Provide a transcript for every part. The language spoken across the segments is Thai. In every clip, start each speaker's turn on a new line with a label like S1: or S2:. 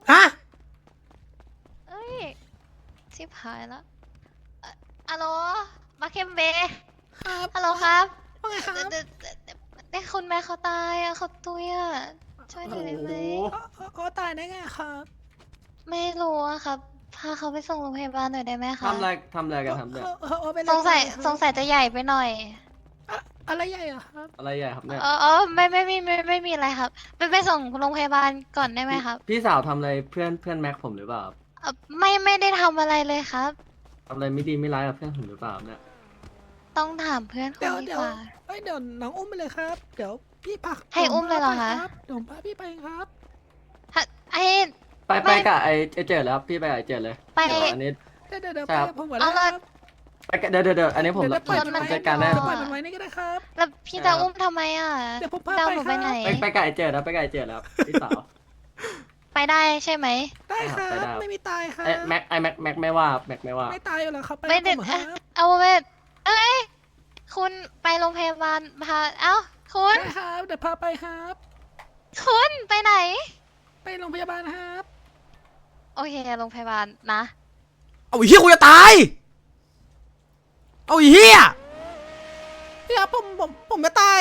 S1: ฮะ
S2: เอ้ยชิบหายแล้วฮัลโหลมาเคมเบ
S1: ครับ
S2: ฮัลโหลครับ
S1: ว่าไงครับ
S2: แต่คุณแม่เขาตายอะเขาตุยอะช่วยหน่อยได้ไหม
S1: เขาตายได้ไงครับ
S2: ไม่รู้อะครับพาเขาไปส่งโรงพยาบาลหน่อยได้ไหมคะ
S3: ทำอะไรกันครับเนี่ย
S1: เขาเป็น
S2: สงสัย
S1: ครับ
S2: สงสัยจะใหญ่ไปหน่อย
S1: อะไรใหญ่อะครับ
S3: อะไรใหญ่ครับเนี่ย
S2: ไม่มีอะไรครับไปส่งโรงพยาบาลก่อนได้ไหมครับ
S3: พี่สาวทำอะไรเพื่อนแม็กผมหรือเปล่าครับ
S2: ไม่ได้ทำอะไรเลยครับ
S3: ทำอะไรไม่ดีไม่ร้ายกับเพื่อนผมหรือเปล่าเนี่ย
S2: ต้องถามเพื่อนคุ
S1: เดี๋
S2: ณ
S1: ยว
S2: ดี
S1: เดี๋ยว
S2: กว่า
S1: เดี๋ยวน้องอุ้มไปเลยครับ เดี๋ยวพี่พัก
S2: ให้อุ้มเลยเหรอคะ
S1: เดี๋ยวผมพาพี่ไปครับ
S2: ฮะไอ้
S3: ไป
S2: ไม่
S3: กับไอ้เจิดแล้วครับพี่ไปกับไอ้เจิดเลย
S2: ไป
S3: เดี๋ยวอันนี้
S1: เดี๋ยว
S3: ใช่
S1: ไป
S3: ครับ
S1: กับผมก่อน
S2: เอา
S1: นะค
S2: ละ
S1: รับ
S3: ไปกับเดี๋ยวอันนี้ผม
S1: เดี๋ยวปล่อย
S2: รถมัน
S3: จัดการได้
S1: เดี๋ยวปล่อยมันไว้นี่ก็ได้ครับ
S2: แล้วพี่จะอุ้มทำไมอ่ะ
S1: เดี๋ยวผมพา
S2: จะเอา
S1: ไป
S2: หนู
S1: ค
S2: ไป
S1: รับ
S2: ไหน
S3: ไปกับไอ้เจิดแล้วไปกับไอ้เจิดแล้วพี่สาว
S2: ไปได้ใช่ไหม
S1: ได้ครั
S3: ไปได้
S1: บ
S3: ครับ
S1: ไม่มีตายครับ
S3: ไอ้แม็กไม่ว่าแม็กไม่ว่า
S1: ไม่ตายอยู่แล้วครับไป
S2: ไม่
S1: กับ
S2: ได้
S1: ผมครับ
S2: เอาเวทเอ้ยคุณไปโรงพยาบาลพาเอ้าคุณ
S1: ได้ครับเดี๋ยวพาไปครับ
S2: คุณไปไหน
S1: ไปโรงพยาบาลครับ
S2: โอเคโรงพยาบาลนะ
S4: เอาไอ้เหี้ยกูจะตาย เอาไอ้เหี้ย
S1: พี่ครับผมจะตาย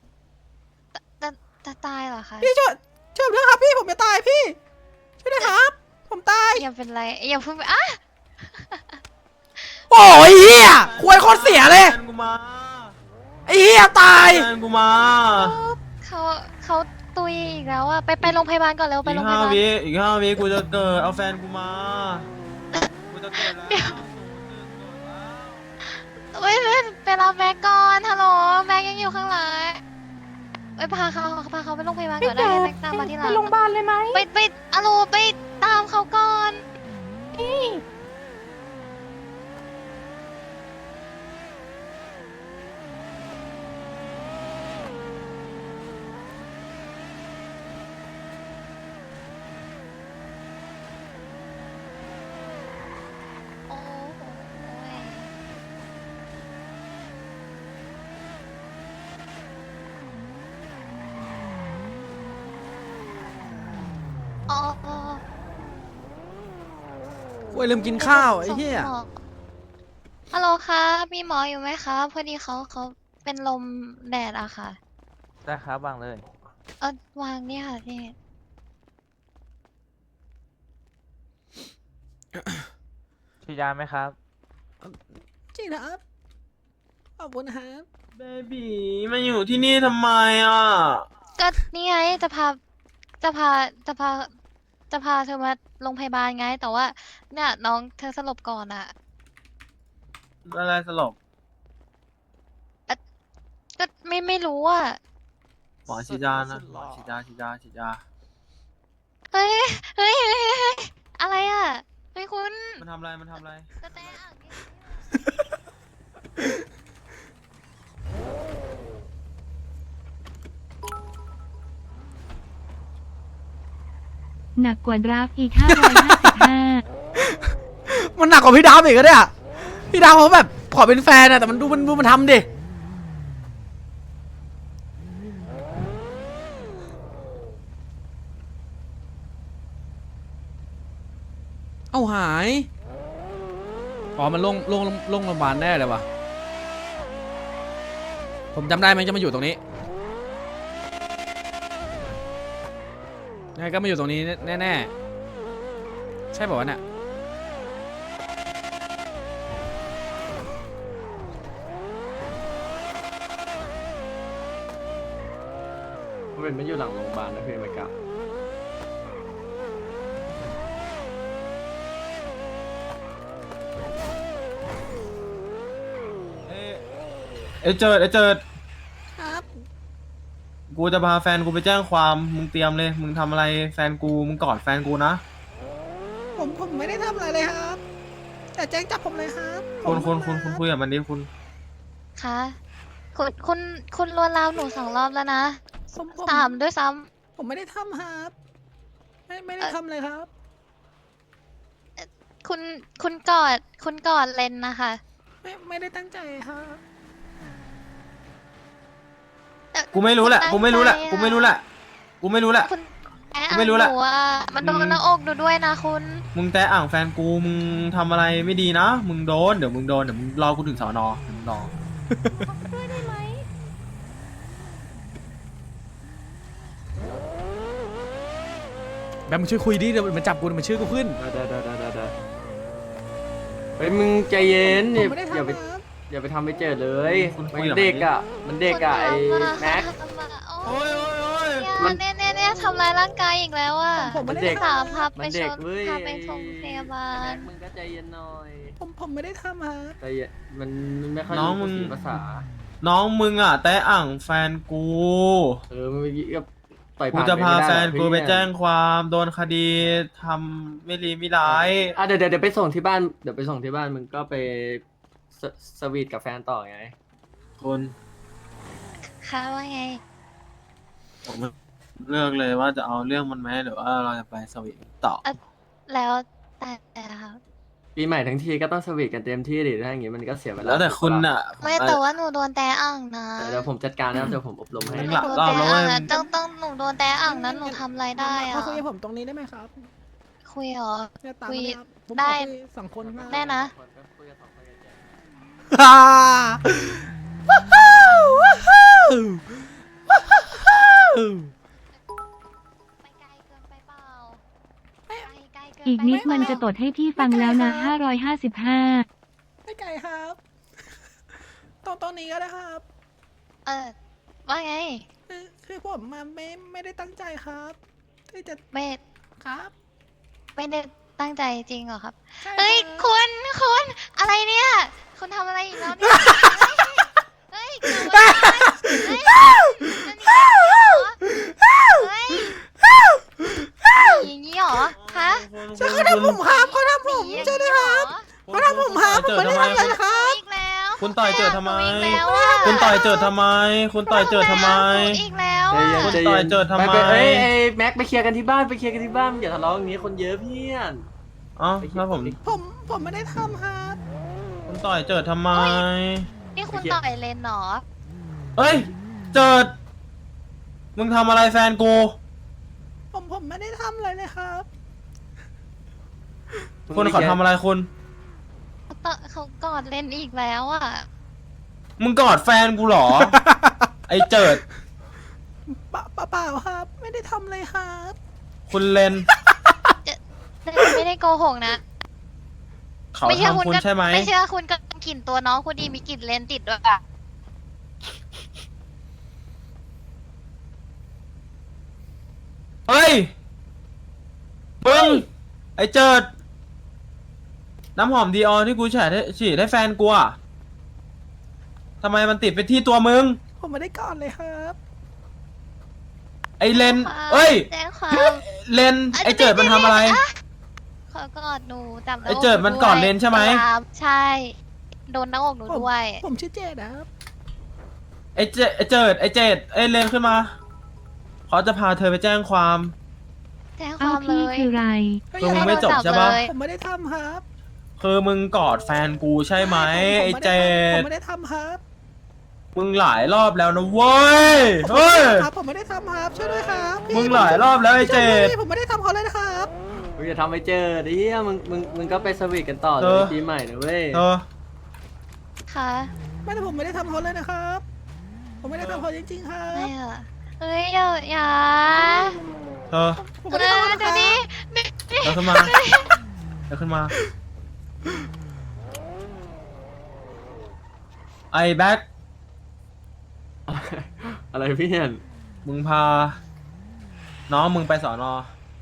S2: จะตายเหรอคะ
S1: พี่ช่วยผมด้วยครับพี่ผมจะตายพี่ช่วยด้วยครับ ผมตาย
S2: อย่าเป็นไรอย่าเพิ่งไปอ่ะ
S4: โอ้ยเหี้ยควยโคตรเสียเลย
S5: แฟนกูมา
S4: ไอ้เหี้ยตาย
S5: แฟนกูมา
S2: เขาตุยอีกแล้วอ่ะไปโรงพยาบาลก่อนเร็วไป
S5: อี
S2: โร
S5: ก
S2: งพยาบาล
S5: อีกห้าวิกูจะเกิดเอาแฟนกูมากูจะเกิดแล้ว
S2: เว้ยไปรับแม็กก่อนฮัลโหลแม็กยังอยู่ข้างหลังเอ้ยพาเขาไปโรงพยาบาลก่อนได้แม็กตามมาที่หลัง
S6: ไปโรงพยาบาลเลยไหม
S2: ไปอะโลไปตามเขาก่อนโอ้โหอ๋อ
S4: ควยลืมกินข้าวไอ้เหี้ย
S2: ส่งหมอฮัลโหลคะมีหมออยู่ไหมคะพอดีเขาเป็นลมแดดอะค่ะ
S5: ได้ครับวางเลย
S2: วางเนี่ยค่ะพี่
S5: ฉีดยาไหมครับ
S1: จริงนะครับขอบคุณครับ
S5: เบบีมาอยู่ที่นี่ทำไมอ่ะ
S2: ก็นี่ไงจะพาจะพาจะพาเธอมาโรงพยาบาลไง แต่ว่าเนี่ยน้องเธอสลบก่อนอะ
S5: อะไรสลบ
S2: ก็ไม่รู้อะ
S5: หมอฉีดยานะหมอฉีดยา
S2: เฮ้ยอะไรอะเฮ้ยคุณ
S5: มันทำอะไร
S2: กระแตอ่างเนี่ย
S6: หนักกว่าดราฟอีก 555
S4: มันหนักกว่าพี่ดาวอีกอะเนี่ยพี่ดาวเขาแบบขอเป็นแฟนอะแต่มันดูมันทำดิเอาหายอ๋อมันลงโรงพยาบาลแน่เลยวะผมจำได้มันจะมาอยู่ตรงนี้ยังไงก็มาอยู่ตรงนี้แน่ๆใช่ป่าวะเนี่ย
S3: มันเป็นไม่อยู่หลังโรงพยาบาลนะพี่ไม่กล้า
S5: เอยเจิด
S1: ครับ
S5: กูจะพาแฟนกูไปแจ้งความมึงเตรียมเลยมึงทำอะไรแฟนกูมึงกอดแฟนกูนะ
S1: ผมไม่ได้ทำอะไรเลยครับแต่แจ้งจับผมเลยครับ
S5: คุณคุยกับมันดิคุณ
S2: คะคุณลวนลามหนู2 รอบแล้วนะ
S1: ผม
S2: 3ด้วยซ้
S1: ผมไม่ได้ทำครับไม่ได้ทำเลยครับ
S2: ำคุณกอดเลนนะคะ
S1: ไม่ได้ตั้งใจครับ
S2: แต่
S5: กูไม่รู้แหละ
S2: คุณ
S5: กูไม่รู้แหละ
S2: ตั้งใจ
S5: กูไม่รู้แหละ
S2: คุณ
S5: ไม่รู้แหละ
S2: หนูอ่ะมันโดนหน้าอกหนูด้วยนะคุณ
S5: มึงแตะอ่างแฟนกูมึงทำอะไรไม่ดีนะมึงโดนเดี๋ยวมึงรอกูถึงสอนอเดี๋ยวมึงรอ
S4: แบมมึงช่วยคุยดิเดี๋ยวมันจับกูมันชื่อกูขึ้น
S3: ได้เฮ้ยมึงใจเย็น
S1: ผมไม่ได้
S3: อย่า
S1: ทำ
S3: ไป
S1: ครับ
S3: อย่าไปทำไปเจอเลย
S5: คุณคุ
S3: มั
S5: ย
S3: น
S5: กับ
S3: เด็ก
S5: มันดิ
S3: อ่ะมันเด็กอ่ะไอ้แม็ก
S5: โอ้ยโอ้ยโอ้ย
S2: เนี่ยทำร้ายร่างกายอีกแล้วอ่ะ
S1: ผมไม่
S3: มัน
S1: ได้
S3: เด็ก
S1: ท
S2: สามพับไป
S3: มัน
S2: ช
S3: เด็ก
S2: น
S3: เว้ย
S2: พาไปส่งพยาบาล
S3: แม็กมึงก็ใจเย็นหน่อย
S1: ผมไม่ได้ทำครับ
S3: ใจเย็นมันไม่ค่อย
S5: น้อง
S3: รู้
S5: มึง
S3: ภาษา
S5: น้องมึงอ่ะแตะอ่างแฟนกู
S3: มันเมื่อกี้ก็ต่อย
S5: กู
S3: ผ่าน
S5: จะพา
S3: ม่ด้
S5: แฟนกูไป
S3: เพื่อน
S5: แจ้งความโดนคดีทำไม่รีไม่ร้าย
S3: อ่ะเดี๋ยวไปส่งที่บ้านเดี๋ยวไปส่งที่บ้านมึงก็ไปสวีทกับแฟนต่อไง
S5: คุณ
S2: ค่ะว่าไง
S5: ผมเลือกเลยว่าจะเอาเรื่องมันไหมหรือว่าเราจะไปสวีทต่อ
S2: แล้วแต่ครับ
S3: ปีใหม่ทั้งทีก็ต้องสวีทกันเต็มที่ดิถ้าอย่างงี้มันก็เสียเวลา
S5: แล้วแต่คุณอ่ะ
S2: ไม่แต่ว่าหนูโดนแต่อ่างนะ
S3: เดี๋ยวผมจัดการนะครับเดี๋ยวผมอบรมให้
S5: ไม่
S2: ห
S5: หลับ
S2: นู
S5: รอบ
S2: แต่
S5: แล้ว
S2: อ่าง
S5: เว้ย
S2: นะต้องหนูโดนแต่อ่างนั้นหนูทำอะไรได้อ่ะ
S1: มาคุยกับผมตรงนี้ได้ไหมครับ
S2: คุยเหรอ
S1: เนี่ยตาม
S2: คุย
S1: มาเลยครับผม
S2: ได้
S1: ขอคุยสองคนครับ
S2: ได้นะ
S4: ฮ่าว้าวว้าวว้าว
S2: ไปไกลเกินไปเปล่าไกลเกิน
S6: อีก
S2: ไป
S6: นิด
S2: เปล่า
S6: มันจะตดให้พี่ฟังแล้วนะ 555
S1: ไม่ไกลครับ ตรงนี้ก็ได้ครับ
S2: ว่าไง
S1: คือผมมาไม่ได้ตั้งใจครับ ที่จะ
S2: ไม่
S1: ครับ
S2: ไม่ได้ตั้งใจจริงเหรอครับ
S1: ใช่
S2: เฮ้ย
S1: ครับ
S2: คุณอะไรเนี่ย คุณทำอะไรอีกแล้วเนี่ยเฮ้ยเกิดอะไรเฮ้ยอย่างนี้เหรอคะ
S1: ใช่เขาทำผมครับเขาทำผมใช่ไหมครับ เขาทำผมครับผมไม่ได้ทำอะไรนะครับ
S2: อีกแล้ว
S5: คุณต่อยเจอทำไม
S2: อีกแล้วอะ
S5: คุณต่อยเจอทำไม คุณต่อยเจอทำไม
S2: อีกแล้ว
S3: ใจ
S2: อะ
S3: เย็น
S5: คุณ
S3: ใจ
S5: ต่
S3: เย็
S5: อย
S3: น
S5: เจอทำไม
S3: ปเอ้ยแม็กไปเคลียร์กันที่บ้านไปเคลียร์กันที่บ้านอย่าทะเลาะอย่างนี้คนเยอะเพื่อน
S5: อ๋อแล้วผม
S1: ผมไม่ได้ทำครับ
S5: คุณต่อยเจอทำไม
S2: นี่คุณต่อยเลนเหรอ
S5: เอ้ย เจิด มึงทำอะไรแฟนกู
S1: ผมไม่ได้ทำอะไรเลยครับ
S5: คุณขอทำอะไรคุณ
S2: เขากอดเลนอีกแล้วอ่ะ
S5: มึงกอดแฟนกูเหรอ ไอ้เจิด
S1: เปล่าครับ ไม่ได้ทำเลยครับ
S5: คุณเลน
S2: เลนไม่ได้โกหกนะ
S5: เขา
S2: ไม่เชื่อ
S5: ทำคุณ
S2: ก็
S5: ใช่ไหม
S2: ไม่เชื่อคุณก็กลิ่นตัวน้องคุณดีมีกลิ่นเลนติดด้วยอ่ะ
S5: เฮ้ย มึง ไอ้เจิด น้ำหอมดีออที่กูฉีดให้แฟนกูอะทำไมมันติดไปที่ตัวมึง
S1: ผมไม่ได้ก่อนเลยครับ
S5: ไอ้เลน เอ้ย
S2: แจ้งความ
S5: เลน ไอ้เจิดมันทำอะไร
S2: เขากอดหนูจับหน้า
S5: ไอ้เจิดมันกอดเลนใช่ไหม
S2: ใช่ โดนหน้าอกหนูด้วย
S1: ผมชื่อเจดนะครับ
S5: ไอ้เจดไอ้เลนขึ้นมา เขาจะพาเธอไปแจ้งความ
S2: แจ้งค
S6: อ้าว
S2: วามเล
S6: พี่
S2: ย
S6: คือไร
S5: คือมึงไม่จบใช่ปะ
S2: เลย
S1: ผมไม่ได้ทำครับ
S5: คือมึงกอดแฟนกูใช่ไหม ไอ้เจ
S1: ผ
S5: ด
S1: มไม่ได้ทำครับ
S5: มึงหลายรอบแล้วนะเว้ย เฮ้ย
S1: ครับผมไม่ได้ทำครับช่วยด้วยครับพี่
S5: มึงหลายรอบแล้วไอ้เจด
S1: พี่ผมไม่ได้ทำเขาเลยนะครับ
S3: มึงอย่าทำไปเจอดิมึงก็ไปสวีทกันต่อเล
S5: เอย อ
S3: ปีใหม่นะเว้ย
S5: เธอ
S2: ค่ะ
S1: ไม่แต่ผมไม่ได้ทำเขาเลยนะครับ ผมไม่ได้ทำเขาจริงๆครับ
S2: ไม่อะเฮ้ยอย่า
S5: เธอ
S1: ผมไม่ได้ทำนะค
S2: ดู
S1: รับ
S2: ดิ
S5: เดี๋ยวขึ้นมาเดี๋ยวขึ้นมา ไอ้แบ็ค
S3: อะไรพี่เห็น
S5: มึงพา น้องมึงไปสอนอ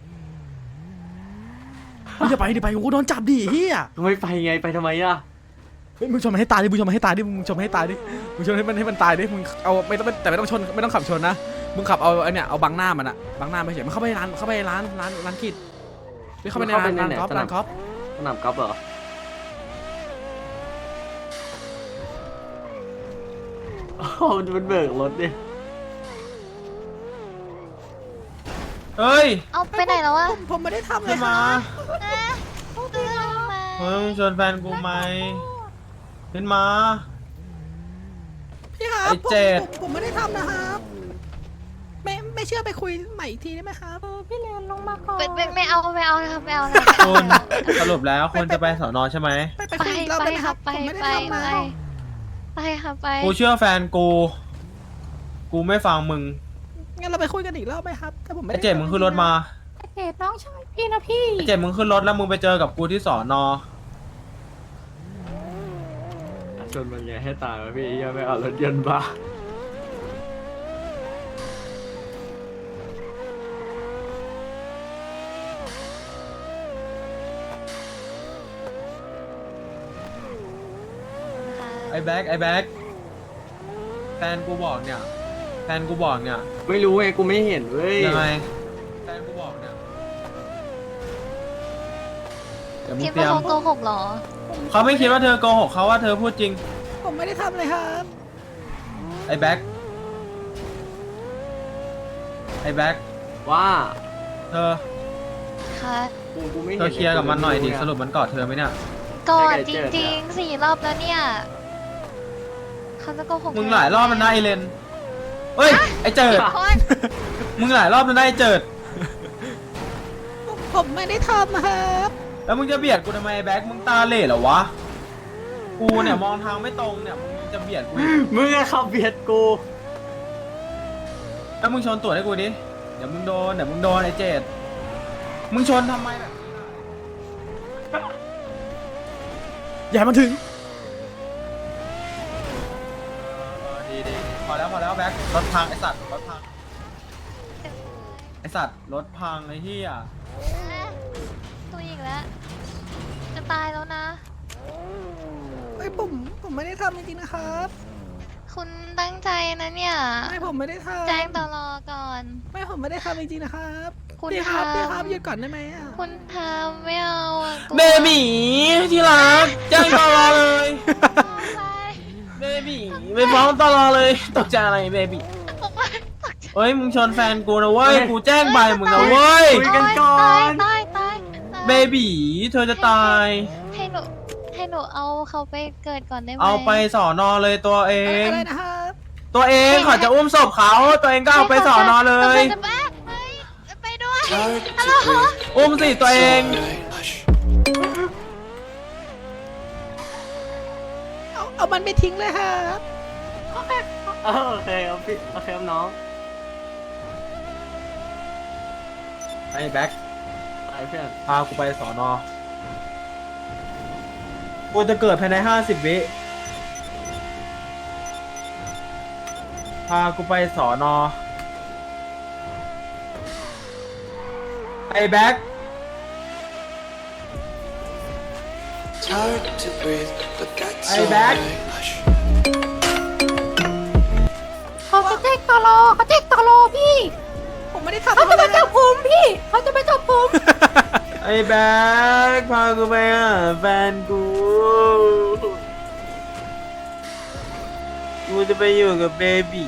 S4: มึงอย่าไปดิไปกูโดนจับดิเฮีย
S3: ไม่ไปไงไปทำไมอ่ะ
S4: เฮ้ยมึงชนมันให้ตายดิมึงชนมันให้ตายดิมึงชนมันให้ตายดิมึงชนให้มันตายดิมึงเอาไม่ต้องแต่ไม่ต้องชนไม่ต้องขับชนนะมึงขับเอาไอ้เนี่ยเอาบังหน้ามันอะบังหน้าไม่เฉยมันเข้าไปร้านกิจไม่เข้าไปในร้านกอล์ฟร้านกอล์ฟ
S3: สนามกอล์ฟเหรอโอ้โหมันเบิกรถดิ
S5: เฮ้ย
S2: เอาไปไหนแล้ววะ
S1: ผมไม่ได้ทำเล
S5: ขึ้
S1: ย
S5: น
S1: ค
S5: มา
S1: รับ
S2: เตือนมา
S5: เฮ้ยมึงชวนแฟนกูไหมขึ้นมา
S1: พี่ครับ
S5: ไอ้เจด
S1: ผมไม่ได้ทำนะครับไม่ไม่เชื่อไปคุยใหม่อีกทีได้ไหมครับ
S2: ไม่เอานะครับไม่เอานะ
S5: คุณสรุปแล้วคุณจะไปสอนอใช่ไหม
S1: ไป
S2: ไป
S1: คุยอีกรอบ
S2: ไป
S1: ได้ไหม
S2: ค
S1: ค
S2: รั
S1: รั
S2: บบ ไป
S1: ผมไม่
S2: ไป
S1: ได้ทำ
S2: ไป
S1: มา
S2: ไปครับไป
S5: กูเชื่อแฟนกูไม่ฟังมึง
S1: งั้นเราไปคุยกันอีกรอบไหมครับถ้าผมไม่
S5: ไอ้
S1: ได้
S5: เจ็ดมึงขึ้นรถมา
S7: เจ็ดน้องชายพี่นะพี่
S5: ไอ้เจ็ดมึงขึ้นรถแล้วมึงไปเจอกับกูที่สอนอ
S3: ชนมันไงให้ตายวะพี่ยังไม่เอารถยนต์บ้า
S5: ไอ้แบ็คแฟนกูบอกเนี่ย
S3: ไม่รู้ไงกูไม่เห็นเว้ย
S5: ยังไงแฟนกูบอกเนี่ยเดี๋ยวมึง
S2: คิด
S5: เตรี
S2: ว่าย
S5: ม
S2: เขาโกหกเหรอ
S5: เขาไม่คิดว่าเธอโกหกเขาว่าเธอพูดจริง
S1: ผมไม่ได้ทำเลยครับ
S5: ไอ้แบ็ค
S3: ว่า
S5: เธอ
S2: ค่ะ
S3: กูไม่เห็น
S5: เธอเคลียร์กับมันหน่อยดิสรุปมันกอดเธอไหมเนี่ย
S2: ก่อน
S3: ไอ้
S2: จ
S3: เจิด
S2: ริง
S3: อะ
S2: ๆ4 รอบแล้วเนี่ยเขาจะโกหก
S5: มึงหลายรอบแล้วนะไอเลนเฮ้ยไอเจิด
S2: คน
S5: มึงหลายรอบแล้วนะไอเจิด
S1: ผมไม่ได้ทำครับ
S5: แล้วมึงจะเบียดกูทำไมไอ้แบ็คมึงตาเหล่เหรอวะ กูเนี่ยมองทางไม่ตรงเนี่ยมึงจะเบียดกูอีก
S3: มึงอะขับเบียดกู
S5: แล้วมึงชนตัวให้กูดิ เดี๋ยวมึงโดนไอ้เจดมึงชนทำไมแบบนี้ล่ะ
S4: อย่าให้มันถึง
S5: ดีพอแล้วแบ็ครถพังไอสัตว์รถพังไอสัตว์รถพังไอ้เหี้ย
S2: ตัวอีกแล้ว จะตายแล้วนะ
S1: เฮ้ยผมไม่ได้ทำจริงๆนะครับ
S2: คุณตั้งใจนะเนี่ย
S1: ไม่ผมไม่ได้ทำ
S2: แจ้งตลอก่อน
S1: ไม่ผมไม่ได้ทำจริงๆนะครับ
S2: คุณ
S1: พี่ครับ
S2: ทำ
S1: พี่ครับหยุดก่อนได้ไหมอะ
S2: คุณทำไม่เอาอะกลัว
S5: เบบีที่รักแจ้งตลอเลย
S2: ไป
S5: เบบีไม่ฟ้องตลอเลยตกใจอะไรเบบีเฮ้ยมึงชนแฟนกูนะเว้ยกูแจ้งใบมึงนะเว้ย
S3: คุยกันก่อน
S2: ตาย
S5: เบบีเธอจะตาย
S2: ให้หนูเอาเขาไปเกิดก่อนได้ไหม
S5: เอาไปสอนอเลยตัวเอง
S1: อะไรนะครับ
S5: ตัวเองเขาจะอุ้มศพเขาตัวเองก็เอาไปสอนอเลย
S2: จะไปด้วยฮัลโหล
S5: อุ้มสิตัวเอง
S1: เอามันไปทิ้งเลยครับ
S3: โอเคครับพี่โอเคครับน้อง
S5: ไอ้แบ็ค
S3: ไปเพื่อน
S5: พากูไปสอนอกูจะเกิดภายใน50 วิพากูไปสอนอไอ้แบ็ค ไอ้แบ็ค
S7: เขาจะแจ้งตลอพี่
S1: ผมไม่ได้ทำ
S7: เขาจะ
S1: อะไร
S7: มาจับผมพี่เขาจะมาจับผม
S5: ไอ้แบ็คพากูไปหาแฟนกูกูจะไปอยู่กับเบบี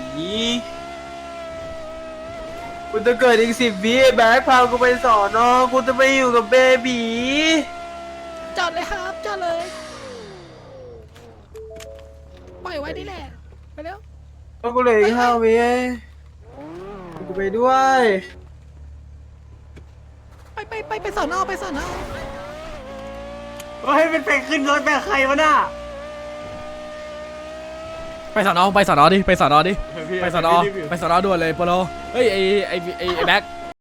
S5: กูจะเกิดอีก10 วิไอ้แบ็คพากูไปสอนอกูจะไปอยู่กับเบบี
S1: จอดเลยครับจอดเลยปล่อยไว้นี่แหละไปเร็ว
S5: ก็กูเหลย5 วิกูไปด้วย
S1: ไปสอนอไปสอนอ
S3: เฮ้ยเป็นไปขึ้นรถแบบใครวะน่ะ
S4: ไปสอนอดิ ไปสอนอดิ
S3: พี่
S4: ไปสอนอ
S3: พี่รีบอยู่
S4: ไปสอนอด่วนเลยโปโลเฮ้ยไอ้แบ็ค